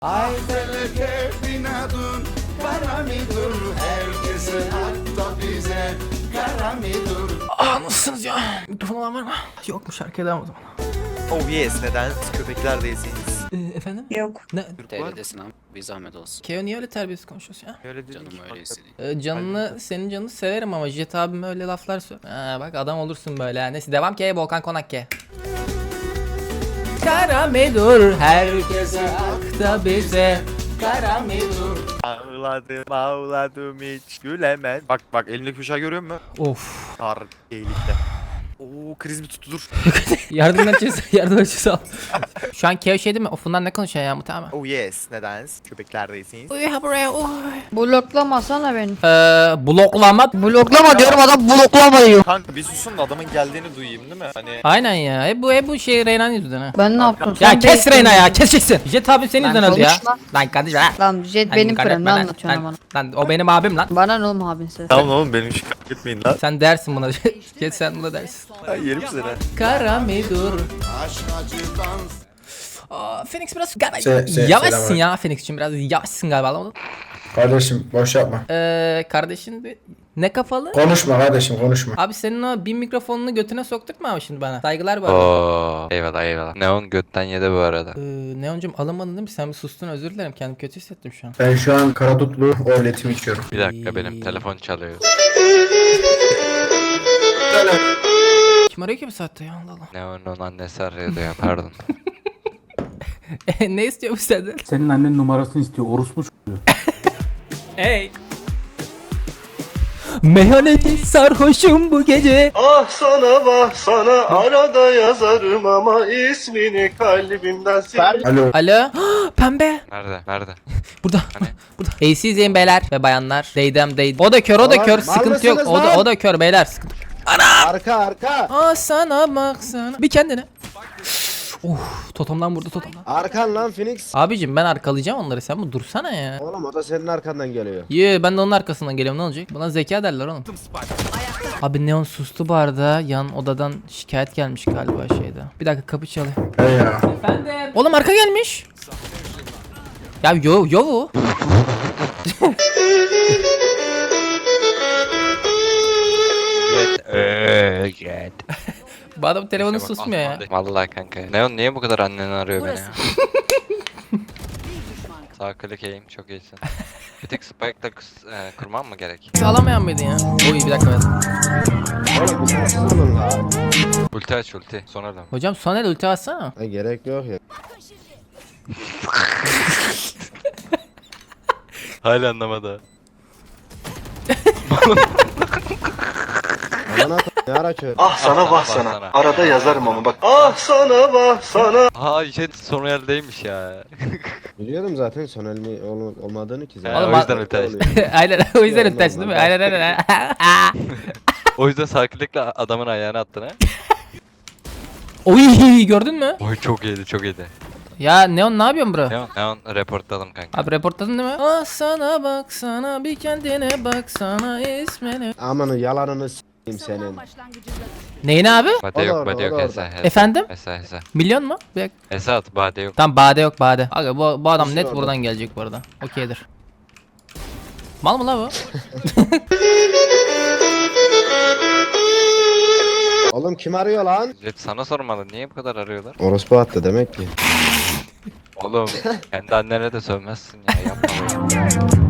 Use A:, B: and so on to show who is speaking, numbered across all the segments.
A: Aydalı keyfin adın kara midur, herkese hatta bize kara midur.
B: Nasılsınız ya? Mikrofon olan var mı? Yokmuş, şarkıya devam o zaman.
C: Oh yes, neden? Siz köpekler değilsiniz.
B: Efendim?
D: Yok.
B: Ne?
E: TL'desin abi. Bir zahmet olsun.
B: Keo niye öyle terbiyesiz konuşuyorsun ya?
C: Öyle değil
E: Canım
C: ki.
E: öyle istedi.
B: Canını, senin canını severim ama Jet abime öyle laflar söyle. Ha, bak adam olursun böyle ha. Neyse devam ki Volkan Konak ki. Kara medur herkese akta bize. Kara medur.
C: Ağladım hiç gülemem. Bak elindeki bıçağı görüyor musun?
B: Of.
C: Tar iyilikte. Oo kriz mi tuttu dur.
B: Yardım açıyorsa yardım açıyorsa al. Şu an Keo şey değil mi? Ofundan ne konuşuyor ya muhtemelen?
C: Oh yes, neden? Köpekler değilsiniz.
B: Uy ha buraya uy.
D: Bloklamasana beni.
B: Bloklama.
D: Bloklama diyorum, adam bloklama diyor.
C: Kanka bir susun da adamın geldiğini duyayım değil mi? Hani
B: Aynen ya. Bu şey Reyna'nın yüzünden ha.
D: Ben ne yaptım?
B: Ya
D: Sen
B: kes
D: değilsin.
B: Reyna ya, keseceksin. Jet abim senin
D: Lan
B: yüzünden öldü ya.
D: konuşma.
B: Lan kardeşim ha.
D: Lan Jet
B: Lan
D: benim
B: dikkat
D: kırım, ne
B: etme lan.
D: anlatıyorsun bana?
B: Lan o benim abim lan.
D: Bana ne oğlum abin sen?
C: tamam oğlum benim şu etmeyin lan.
B: Sen dersin buna. Jet sen buna dersin.
C: Ay yerim seni.
B: Kara medur.
A: Aşk acıdan
B: Phoenix biraz galiba
F: selam
B: yavaşsın
F: abi.
B: ya Phoenix'cim, biraz yavaşsın galiba anlamadım.
F: Kardeşim boş yapma.
B: Kardeşin ne kafalı?
F: Konuşma kardeşim konuşma.
B: Abi senin o bin mikrofonunu götüne soktuk mu abi şimdi bana? Saygılar bu arada.
G: Oo, eyvallah eyvallah. Neon götten yedi bu arada.
B: Neoncum alamadın değil mi? Sen bir sustun, özür dilerim, kendimi kötü hissettim şu an.
F: Ben şu an karadutlu orletimi içiyorum.
G: Bir dakika benim telefon çalıyor.
B: Kim arıyor ki bu saatte ya, Allah Allah.
G: Neon'un annesi arıyordu ya, pardon.
B: Ne istiyor bu senden?
H: Senin annen numarasını istiyor. Orospu çocuğu.
B: Hey. Meyhaneci sarhoşum bu gece.
I: Ah sana vah sana arada yazarım ama ismini kalbimden sil.
F: Alo.
B: Alo. Pembe.
G: Nerede?
B: Burada.
G: Hani?
B: Burada. AC izleyin beyler ve bayanlar. Deydem deydim. O da kör, o da kör. Sıkıntı yok. O da kör beyler. Sıkıntı.
I: Arka.
B: Aa sana baksana. Bir kendine. Totomdan vurdu totomdan.
I: Arkan lan Phoenix.
B: Abicim ben arkalayacağım onları, sen bu dursana ya.
I: Oğlum o da senin arkandan geliyor.
B: Ben de onun arkasından geliyorum, ne olacak? Buna zeka derler oğlum. Abi Neon sustu bu arada. Yan odadan şikayet gelmiş galiba şeyde. Bir dakika kapı çalıyor.
F: Hey ya.
B: Efendim. Oğlum arka gelmiş. Ya yo.
G: Jet.
B: Bu adam telefonu susmuyor ya.
G: Vallahi kanka. Neon niye bu kadar anneni arıyor beni ya? Sağ klik aim, çok iyisin. Bir tek spike'la kurmam mı gerek?
B: Alamayan mıydın ya? Oy bir dakika.
I: Oğlum bu nasıl olun la?
G: Ulti aç ulti. Sonradan.
B: Hocam Soner ulti atsana.
I: Ha, gerek yok ya.
G: Hala anlamadı.
I: Aman at ne ara kör.
G: Ah sana vah sana.
I: Arada yazarım ama bak. Ah sana vah sana.
G: Aa Jet son yerdeymiş ya.
I: Biliyorum zaten son elmi olmadığını ki zaten.
B: Oğlum,
G: O yüzden ulti açtım.
B: Aynen o yüzden ulti açtın değil mi? Aynen.
G: O yüzden sağ klikle adamın ayağına attın ha.
B: Oy gördün mü?
G: Oy çok iyiydi.
B: Ya Neon ne yapıyorsun bro?
G: Neon reportladım kanka.
B: Abi reportladın değil mi? Ah sana baksana, bir kendine baksana ismini.
I: Amanın yalanını s**eyim senin.
B: Neyine abi?
G: Bade yok,
I: orada,
G: bade yok
I: o da
G: Esa.
I: orada.
B: Efendim?
G: Esa.
B: Milyon mu? Bir dakika.
G: Esa at, bade yok.
B: Tamam bade yok bade. Aga bu adam
I: Nasıl
B: net
I: orada?
B: buradan gelecek bu arada. Okeydir. Mal mı la bu?
I: Oğlum kim arıyor lan?
G: Jet sana sormalı, niye bu kadar arıyorlar?
I: Orospu attı demek ki.
G: Oğlum kendi annene de sövmezsin ya, yapma böyle.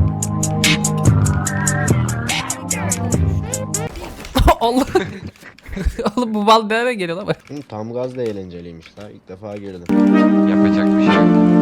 B: Allah. Oğlum bu bal nereye geliyor lan bak.
I: Hı, tam gaz da eğlenceliymiş la. İlk defa girdim.
G: Yapacak bir şey yok.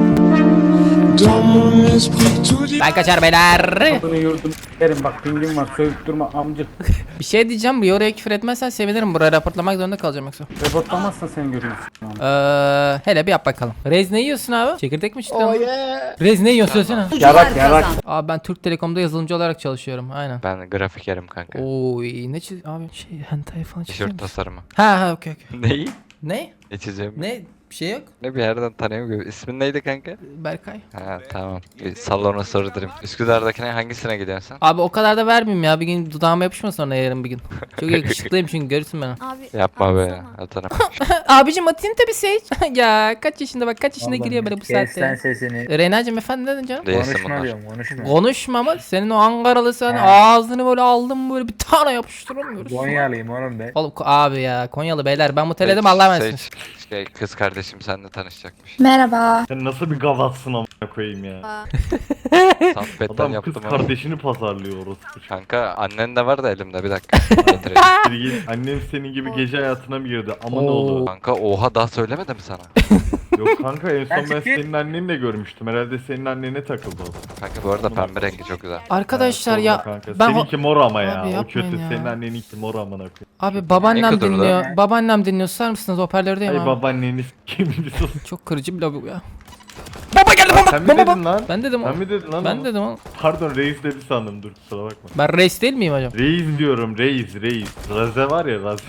B: Ben kaçar beyler.
H: Adını yurdum. Derim bak pingim var. Sövüp durma amcık.
B: Bir şey diyeceğim, bir oraya küfür etmezsen sevinirim. Buraya raportlamak zorunda kalacağım yoksa.
H: Reportlamazsan seni götürürüm.
B: Hele bir yap bakalım. Rez ne yiyorsun abi? Çekirdek mi çıktın?
I: Oh yeah.
B: Rez ne yiyorsun söylesene.
H: Yarak.
B: Abi ben Türk Telekom'da yazılımcı olarak çalışıyorum. Aynen.
G: Ben grafikerim kanka.
B: Oy ne çiz abi şey hentai falan çiziyor
G: Tişört
B: musun?
G: tasarımı.
B: Ha okey.
G: Neyi?
B: Ne?
G: Ne çizeceğim?
B: Ne? Bir şey yok.
G: Ne bir yerden tanıyorum gibi. İsmin neydi kanka?
B: Berkay.
G: Ha tamam. Bir salona sordurum. Üsküdar'dakine hangisine gidiyorsun sen?
B: Abi o kadar da vermeyeyim ya. Bir gün dudağıma yapışmasın sonra yarın bir gün. Çok yakışıklıyım çünkü görürsün beni.
J: Abi
G: Yapma be.
J: atsana.
G: Atarım.
B: Abicim atayım tabii Sage. Ya kaç yaşında bak kaç yaşında giriyor böyle bu
H: Kes sen
B: saatte.
H: sesini.
B: Reyna'cığım efendim ne dedin canım?
G: Değilsin
H: Konuşma
G: bunlar.
H: diyorum konuşma.
B: Konuşma ama senin o Ankaralı sen
H: He.
B: ağzını böyle aldım böyle bir tane yapıştıramıyoruz.
H: Konyalıyım oğlum ben.
B: Oğlum abi ya Konyalı beyler ben bu teledim Allah'a emanet.
G: Şey, kız kardeşim seninle tanışacakmış.
J: Merhaba.
I: Sen nasıl bir gavatsın amına koyayım ya.
G: Soundpad'den
I: Adam kız
G: yaptım onu.
I: kardeşini pazarlıyor orası.
G: Kanka annen de var da elimde bir dakika. Getireyim.
I: Bir git, annem senin gibi gece hayatına mı girdi? Aman
B: Oo.
I: oğlu.
G: Kanka oha daha söylemedim sana.
I: Yok kanka en son ben
H: Gerçekten.
I: senin anneni de görmüştüm. Herhalde senin annene takıldı o da.
G: Kanka bu arada pembe rengi çok güzel.
B: Arkadaşlar
I: Sorma
B: ya
I: kanka.
B: ben
I: Seninki mor ama ya.
B: Abi
I: O
B: yapmayın
I: kötü.
B: ya.
I: Senin anneninki mor amına koyayım.
B: abi babaannem
G: Ne kadar
B: dinliyor. Babaannem dinliyor. Susar mısınız hoparlördeyim
I: Ay
B: abi.
I: babaanneniz kim bir sus.
B: Çok kırıcı bir lobi bu ya. Baba geldi baba.
I: Sen mi
B: Baba,
I: dedin lan?
B: Ben dedim
I: Sen
B: oğlum.
I: mi dedin lan?
B: Ben
I: onu?
B: dedim oğlum.
I: Pardon reis dedi sandım dur kusura bakma.
B: Ben reis değil miyim hocam?
I: Reis diyorum reis. Raze var ya Raze.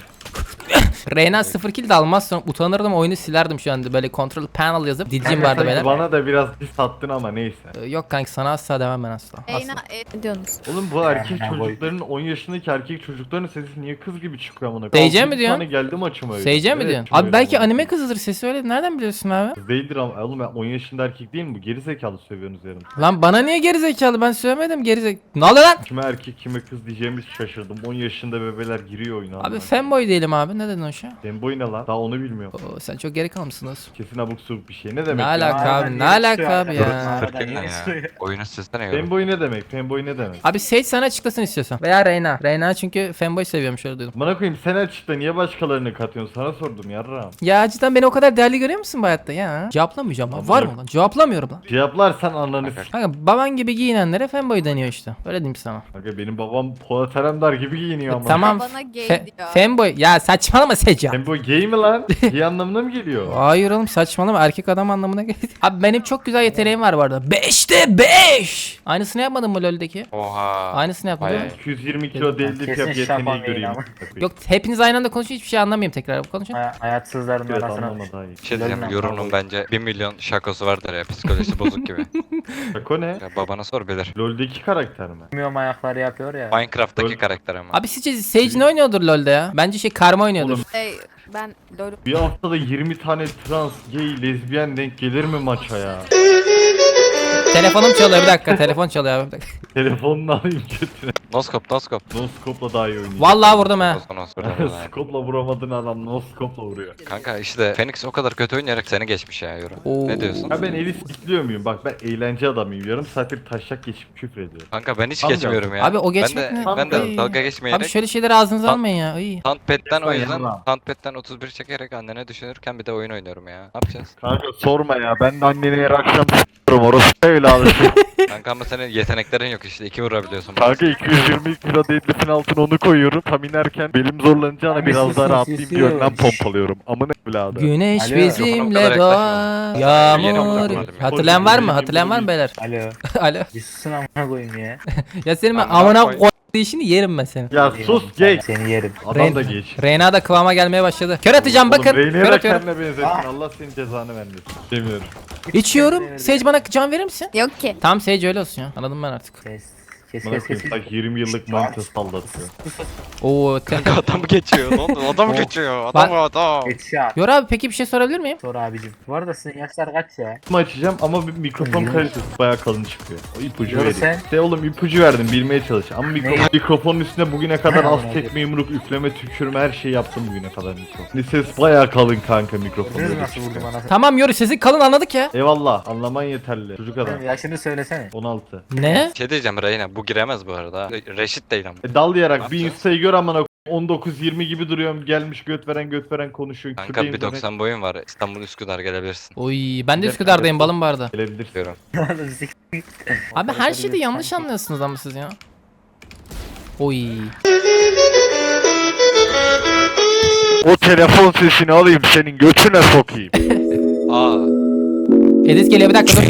B: Reyna 0 kill de almaz sonra utanırdım oyunu silerdim şu anda böyle control panel yazıp dilcim vardı beyler.
I: Bana da biraz pis sattın ama neyse.
B: Yok kanki sana asla demem ben asla.
J: Eyna
B: Asla.
J: ne diyorsunuz?
I: Oğlum bu erkek
H: Ha, boy.
I: çocukların 10 yaşındaki erkek çocukların sesi niye kız gibi çıkıyor amına
B: Seyirciye mi
I: Altı
B: diyorsun?
I: tane geldi maçıma öyle.
B: Seyirciye mi
I: Evet,
B: diyorsun?
I: şöyle
B: Abi belki
I: amına
B: anime
I: koyayım.
B: kızıdır sesi öyle nereden biliyorsun abi?
I: Kız değildir ama oğlum ben 10 yaşında erkek değil mi bu? Geri zekalı sövüyorsunuz yarın.
B: Lan bana niye gerizekalı ben söylemedim gerizekalı. Ne oluyor lan?
I: Kime erkek kime kız diyeceğimiz şaşırdım. 10 yaşında bebeler giriyor oyuna.
B: Abi
I: amına
B: fanboy değilim abi ne dedin o şey?
I: koyayım. Fanboy ne lan? Daha onu bilmiyorum.
B: Oo, sen çok geri kalmışsın dostum.
I: Kesin abuk subuk bir şey. Ne demek
B: Ne
I: ya?
B: alaka abi ne alaka abi ya?
G: Fırkın ne ya? Oyunu sizden yorum.
I: Fanboy ne demek? Fanboy ne demek?
B: Abi Sage sana açıklasın istiyorsan. Veya Reyna. Reyna çünkü fanboy seviyormuş öyle duydum.
I: Bana koyayım sen açıkla niye başkalarını katıyorsun? Sana sordum yarrağım.
B: Ya cidden beni o kadar değerli görüyor musun bu hayatta ya? Cevaplamayacağım lan.
I: Abi
B: Var
I: yok.
B: mı lan? Cevaplamıyorum lan.
I: Cevaplarsan ananı s***.
B: Kanka baban gibi giyinenlere fanboy deniyor işte. Öyle diyeyim sana.
I: Kanka benim babam Polat Alemdar gibi giyiniyor ama.
B: Tamam.
J: Bana gay diyor.
B: Fanboy. Ya saçmalama Sage ya.
I: Fanboy gay mi lan? Gay anlamına mı geliyor?
B: Hayır oğlum saçmalama erkek adam anlamına geliyor. Abi benim çok güzel yeteneğim var bu arada. 5'te 5. Aynısını yapmadın mı LoL'deki?
G: Oha.
B: Aynısını yaptım değil mi?
I: 220 kilo deadlift
H: Kesin
I: yap
H: şapan
I: yeteneği
H: değil
I: göreyim.
H: ama.
B: Yok hepiniz aynı anda konuşun hiçbir şey anlamayayım tekrar konuşun.
H: Hayatsızların
I: Evet
H: arasına.
I: anlama daha iyi.
G: Bir şey diyeceğim.
H: Lol'den
G: Yorunun
H: kavga
G: bence 1 milyon şakosu vardır ya. Psikolojisi bozuk gibi.
I: Şako ne?
G: Ya babana sor bilir.
I: LoL'deki karakter mi?
H: Bilmiyorum ayakları yapıyor ya.
G: Minecraft'taki
I: Lol.
G: karakter ama.
B: Abi sizce Sage ne oynuyordur LoL'de ya? Bence şey karma oynuyordur.
I: Oğlum.
J: Ben LoL
I: Bir haftada 20 tane trans, gay, lezbiyen denk gelir mi maça ya?
B: Telefonum çalıyor bir dakika telefon çalıyor abi bir dakika.
I: Telefonunu alayım götüne.
G: Noskop noskop.
I: No-scope'la daha iyi oynuyor.
B: Vallahi vurdum ha.
I: Scope'la vuramadığın adam no-scope'la vuruyor.
G: Kanka işte Phoenix o kadar kötü oynayarak seni geçmiş ya Euro.
B: Oo.
G: Ne diyorsun?
I: Ha ben eli sikliyor muyum? Bak ben eğlence adamıyım. Yarım saattir taşak geçip küfür ediyorum.
G: Kanka ben hiç
I: Tamam
G: geçmiyorum ya.
B: Abi o geçmek
G: ben de,
B: ne?
G: Ben de
B: Ay.
G: dalga geçmeyerek.
B: Abi şöyle şeyleri ağzınıza
G: Lan-
B: almayın ya. İyi.
G: Soundpad'den o
I: Lütfen
G: yüzden
I: yanıma.
G: Soundpad'den 31 çekerek annene düşünürken bir de oyun oynuyorum ya. Ne yapacağız?
I: Kanka sorma ya. Ben de anneni her akşam s***yorum. Orası öyle alışıyor.
G: Kanka ama senin yeteneklerin yok işte. 2 vurabiliyorsun.
I: Kanka 220 kilo deadlift'in altına onu koyuyorum. Tam inerken belim zorlanacağına
H: Abi
I: biraz daha
H: susun,
I: rahatlayayım diye
H: susun.
I: önden pompalıyorum. Amına evladı.
B: Güneş
H: Alo.
G: Mikrofona bu
B: bizimle
G: kadar
B: doğar.
G: Yeni
B: Yağmur.
G: mikrofon.
B: Hatırlayan var mı? Hatırlayan var mı beyler?
H: Alo.
B: Alo.
H: Bir susun amına koyayım ya.
B: Ya senin ben
G: Amına
B: amına
G: koy.
B: koy işini yerim ben senin.
I: Ya sus gay.
H: Seni yerim.
I: Adam da geç.
B: Reyna da kıvama gelmeye başladı. Kör atacağım bakın.
I: Oğlum Reyna'ya
B: Kör
I: da
B: atıyorum.
I: kendine benzettin. Allah senin cezanı vermesin. Demiyorum.
B: İçiyorum. Sage bana can verir misin?
J: yok ki.
B: Tamam Sage öyle olsun ya. Anladım ben artık.
H: Kes
I: Bana
H: kes kes.
I: koyayım tak 20 yıllık manita sallatıyor.
B: Oo
G: Kanka adam geçiyor. Ne oldu? Adam geçiyor. Adam adam.
H: Headshot.
B: Yor abi peki bir şey sorabilir miyim?
H: Sor abicim. Bu arada sizin yaşlar kaç ya?
I: Kim açacağım ama bir mikrofon kalitesi bayağı kalın çıkıyor. O ipucu
H: Yürü
I: vereyim.
H: sen.
I: İşte oğlum ipucu verdim bilmeye çalış. Ama mikrofonun üstüne bugüne kadar az
H: Ne?
I: tekme yumruk üfleme tükürme her şeyi yaptım bugüne kadar mikrofon. Ses bayağı kalın kanka mikrofon.
H: Siz
I: böyle
H: nasıl
I: çıkıyor.
H: vurdum anasını?
B: Tamam Yoru sesi kalın anladık ya.
I: Eyvallah anlaman yeterli. Çocuk adam.
H: Yaşını söylesene.
I: 16.
B: Ne?
G: Şey diyeceğim Reyna bu giremez bu arada. Reşit değil ama.
I: Dallayarak bir
G: yapacağız?
I: insta'yı gör amına 19-20 gibi duruyorum gelmiş göt veren konuşuyor.
G: Kanka
I: Kürdeyim
G: bir
I: demek.
G: 90 boyun var. İstanbul Üsküdar gelebilirsin.
B: Oy ben de Üsküdar'dayım balım bu arada.
I: Gelebilirsin.
G: Diyorum.
H: Oğlum sik.
B: Abi her şeyi de yanlış anlıyorsunuz ama siz ya. Oy.
I: O telefon sesini alayım senin götüne sokayım.
G: Aa.
B: Edis geliyor bir dakika dur.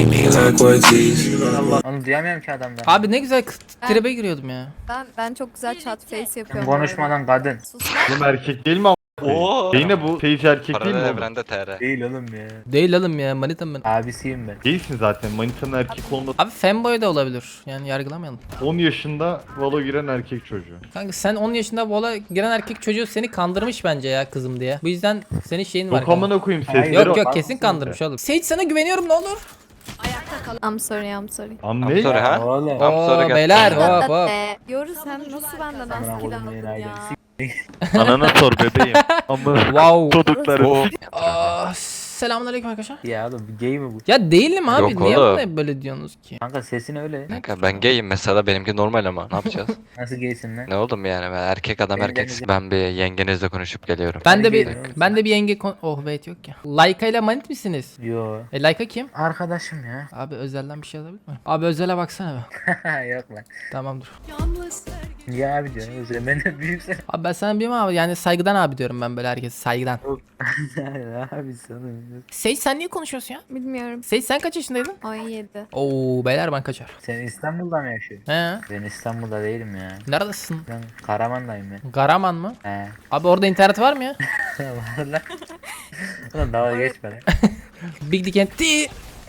H: Onu duyamıyorum ki adamdan.
B: Abi ne güzel tribe giriyordum ya.
J: Ben çok güzel chat face
H: Sen
J: yapıyorum.
H: konuşmadan kadın.
J: Sus lan.
I: Oğlum erkek değil mi
G: Oo.
C: Yine bu Sage erkek değil
G: Paralel
C: mi oğlum?
G: evrende TR.
H: Değil oğlum ya.
B: Değil oğlum ya manitam ben.
H: Abisiyim ben.
C: Değilsin zaten. Manitanın erkek olması.
B: Abi fanboy da olabilir. Yani yargılamayalım.
C: 10 yaşında Valo giren erkek çocuğu.
B: Kanka sen 10 yaşında vola giren erkek çocuğu seni kandırmış bence ya kızım diye. Bu yüzden senin şeyin var.
C: Yok amına koyayım
H: Hayır,
C: sesleri.
B: Yok yok
H: Var
B: kesin
H: mısın
B: kandırmış oğlum. Sage sana güveniyorum ne olur.
J: I'm sorry, I'm sorry.
C: Am
G: I'm
C: ne?
G: sorry ha.
H: Oğlum.
G: Tam sonra
B: Oo
G: gel-
B: beyler hop hop.
J: Yoru sen nasıl benden
H: Amına
J: askil
H: koydum
J: aldın
H: yeni
J: ya?
H: ailem.
C: Anana sor bebeğim. Amına
B: Wow.
C: çocukları.
B: Selamünaleyküm arkadaşlar.
H: Ya oğlum gay mi bu?
B: Ya değilim abi.
G: Yok
B: Niye
G: oğlum.
B: bana böyle diyorsunuz ki?
H: Kanka sesin öyle.
G: Kanka ben gayim mesela, benimki normal ama ne yapacağız?
H: Nasıl gaysin lan?
G: Ne oldum yani, ben erkek adam erkek. Ben bir yengenizle konuşup geliyorum.
B: Ben de
H: Hadi
B: bir
H: gelin oğlum.
B: ben de bir yenge oh wait yok ya. Layka ile manit misiniz?
H: Yo.
B: Layka kim?
H: Arkadaşım ya.
B: Abi özelden bir şey alabilir miyim? Abi özele baksana be.
H: Yok lan.
B: Tamamdır.
H: Ya abi diyorum. Özür benden büyüksen.
B: Abi ben sana bilmem abi yani saygıdan abi diyorum ben böyle herkese saygıdan.
H: Abi sana.
B: Sage sen niye konuşuyorsun ya?
J: Bilmiyorum.
B: Sage sen kaç yaşındaydın?
J: 17.
B: Oo beyler ben kaçar.
H: Sen İstanbul'da mı yaşıyorsun?
B: He?
H: Ben İstanbul'da değilim ya.
B: Neredesin?
H: Ben Karaman'dayım ben.
B: Garaman mı?
H: He.
B: Abi orada internet var mı ya?
H: Var lan. Ulan dalga geçme lan.
B: Big Dick and T.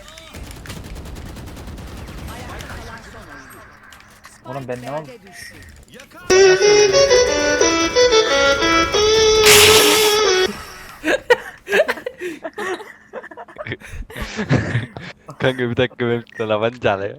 H: Oğlum ben ne oldu?
G: Kanka bir dakika, benim telefon çalıyor.